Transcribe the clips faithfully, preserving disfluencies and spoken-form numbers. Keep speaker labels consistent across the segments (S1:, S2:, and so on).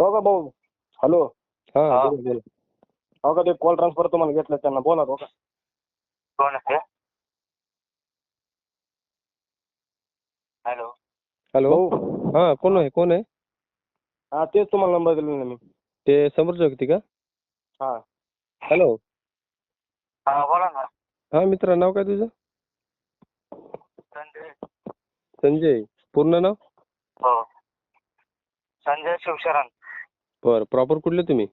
S1: हो का भाऊ? हॅलो.
S2: हा
S3: हा.
S2: बोला बोला.
S1: हो का ते कॉल ट्रान्सफर तुम्हाला घेतलं त्यांना बोला हो का?
S3: कोण आहे ते? हॅलो.
S2: हॅलो.
S1: भाऊ
S2: हा कोण आहे कोण आहे?
S1: हा तेच तुम्हाला नंबर दिला ना मी.
S2: ते समोरची व्यक्ती का?
S1: हा
S2: हॅलो.
S3: हा बोला ना.
S2: हा मित्रा, नाव काय तुझं?
S3: संजय.
S2: संजय. पूर्ण नाव?
S3: हो. संजय शिवशरण.
S2: बरं. प्रॉपर कुठले तुम्ही?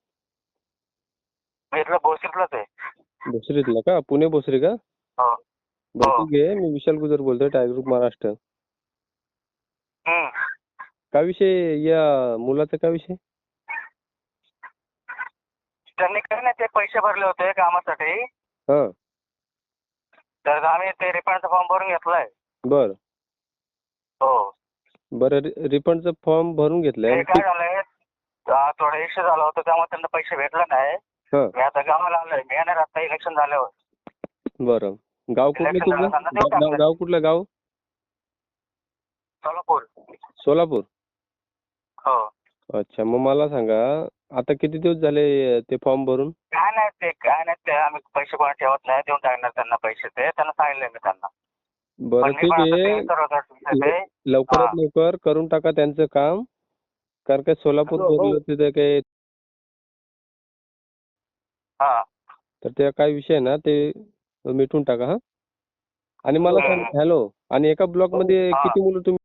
S3: मी इथलं भोसरीतलाच आहे.
S2: भोसरीतला का? पुणे भोसरी का?
S3: हो.
S2: बरं
S3: हो.
S2: ठीक आहे. मी विशाल गुजर बोलतोय, टायगर ग्रुप महाराष्ट्र.
S3: हम्म.
S2: काय विषय या मुलाचा काय विषय?
S3: त्यांनी काय नाही ते पैसे भरले होते कामासाठी.
S2: हा.
S3: तर आम्ही ते रिफंडचा फॉर्म भरून घेतलाय.
S2: बरं.
S3: हो.
S2: बरं रिफंडचा फॉर्म भरून घेतलाय.
S3: ते काय झालंय, आ, थोडा इश्यू झाला होता त्यामुळे त्यांना पैसे भेटले नाही.
S2: हा.
S3: मी आता गावाला आलोय. मी येणार आता इलेक्शन झाल्यावर.
S2: बरं. गाव कुठलं
S3: Election
S2: तुझं?
S3: झालं, देऊ
S2: गाव
S3: टाकलं.
S2: गाव कुठलं गाव?
S3: सोलापूर.
S2: सोलापूर.
S3: हो.
S2: अच्छा. मग मला सांगा, आता किती दिवस झाले ते फॉर्म भरून?
S3: काय नाही ते काय नाही ते आम्ही पैसे कोण ठेवत नाही, देऊन टाकणार त्यांना पैसे. ते त्यांना सांगितलंय मी त्यांना.
S2: बरं
S3: पण मी
S2: ठीक
S3: पण आता
S2: आहे.
S3: ते विचारत होतो ते.
S2: लवकरात
S3: हा.
S2: लवकर करून टाका त्यांचं काम. कारण काय सोलापूर
S1: हॅलो,
S2: बोललं तिथे काही,
S3: हा.
S2: तर त्या काय विषय आहे ना ते मिटून टाका. हा. आणि मला सांग,
S3: हम्म.
S2: हॅलो, आणि एका ब्लॉक मध्ये
S3: हा.
S2: किती मुलं तुम्ही?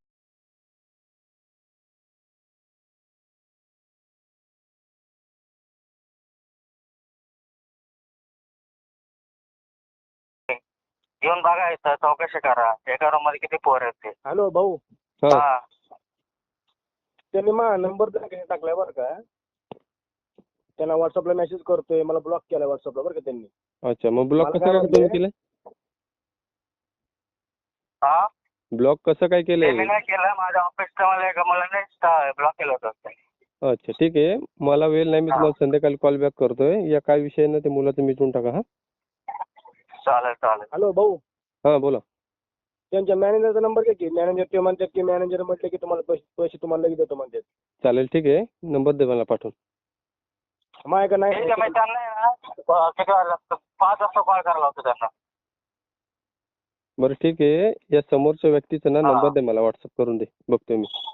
S3: येऊन बघा इथं चौकशी करा. एका रूम मध्ये किती पोर आहेत ते.
S1: हॅलो भाऊ.
S2: हा.
S3: हा.
S1: त्यांनी माझा नंबर टाकलाय बरं का. त्यांना व्हॉट्सअपला मेसेज करतोय, मला ब्लॉक केलाय व्हॉट्सअपला बरं का त्यांनी.
S2: अच्छा. मग ब्लॉक
S1: मला
S2: कसं
S1: काय
S2: काय
S1: म्हणते?
S2: तुम्ही केलंय?
S3: हा.
S2: ब्लॉक कसं काय
S3: ते
S2: केलंय?
S3: मी नाही केलं. माझ्या ऑफिसचं मला एक मला नाही ब्लॉक केलं होतं.
S2: अच्छा ठीक आहे. मला वेळ नाही, मी
S3: हा.
S2: तुम्हाला संध्याकाळी कॉल बॅक करतोय. या काय विषय आहे ना ते मुलाचं मिटून टाका. हा.
S3: चालेल चालेल.
S1: हॅलो भाऊ.
S2: हा बोला.
S1: त्यांच्या मॅनेजरचा नंबर घ्या की. मॅनेजर ते म्हणतात की मॅनेजर म्हटलं की तुम्हाला पैसे पैसे तुम्हाला लगेच देतो म्हणतात.
S2: चालेल ठीक आहे. नंबर दे मला पाठवून.
S1: माय का
S3: ठीक आहे.
S1: नाही?
S3: मी त्यांना आहे ना किती वाजता पाच वाजता कॉल करायला होतो त्यांना.
S2: बरं ठीक आहे. या समोरच्या व्यक्तीचा ना
S3: हा.
S2: नंबर दे मला, व्हॉट्सअप करून दे, बघतोय मी.